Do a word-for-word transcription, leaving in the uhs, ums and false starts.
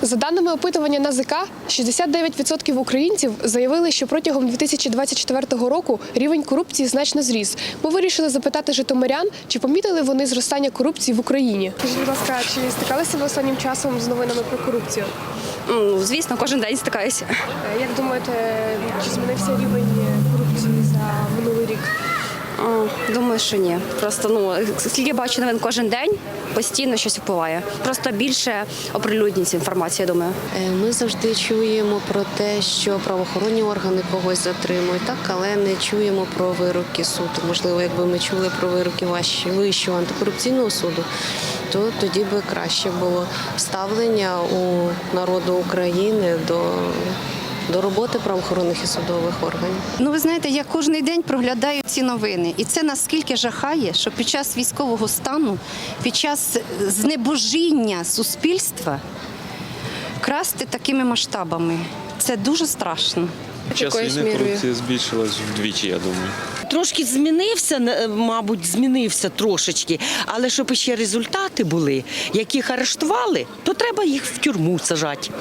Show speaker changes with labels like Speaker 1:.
Speaker 1: За даними опитування НАЗК, шістдесят дев'ять відсотків українців заявили, що протягом дві тисячі двадцять четвертого року рівень корупції значно зріс. Ми вирішили запитати житомирян, чи помітили вони зростання корупції в Україні. Скажіть, будь ласка, чи стикалися ви останнім часом з новинами про корупцію?
Speaker 2: Ну, звісно, кожен день стикаюся.
Speaker 1: Як думаєте, чи змінився рівень корупції за минулий рік?
Speaker 2: О, думаю, що ні. Просто ну скільки бачу новин кожен день, постійно щось впливає. Просто більше оприлюднюється інформація, я думаю.
Speaker 3: Ми завжди чуємо про те, що правоохоронні органи когось затримують, так, але не чуємо про вироки суду. Можливо, якби ми чули про вироки Вищого антикорупційного суду, то тоді би краще було ставлення у народу України до до роботи правоохоронних і судових органів.
Speaker 4: Ну, ви знаєте, я кожен день проглядаю ці новини. І це наскільки жахає, що під час військового стану, під час знебожіння суспільства красти такими масштабами. Це дуже страшно.
Speaker 5: Під час війни корупція збільшилась вдвічі, я думаю.
Speaker 6: Трошки змінився, мабуть, змінився трошечки, але щоб ще результати були, яких арештували, то треба їх в тюрму сажати.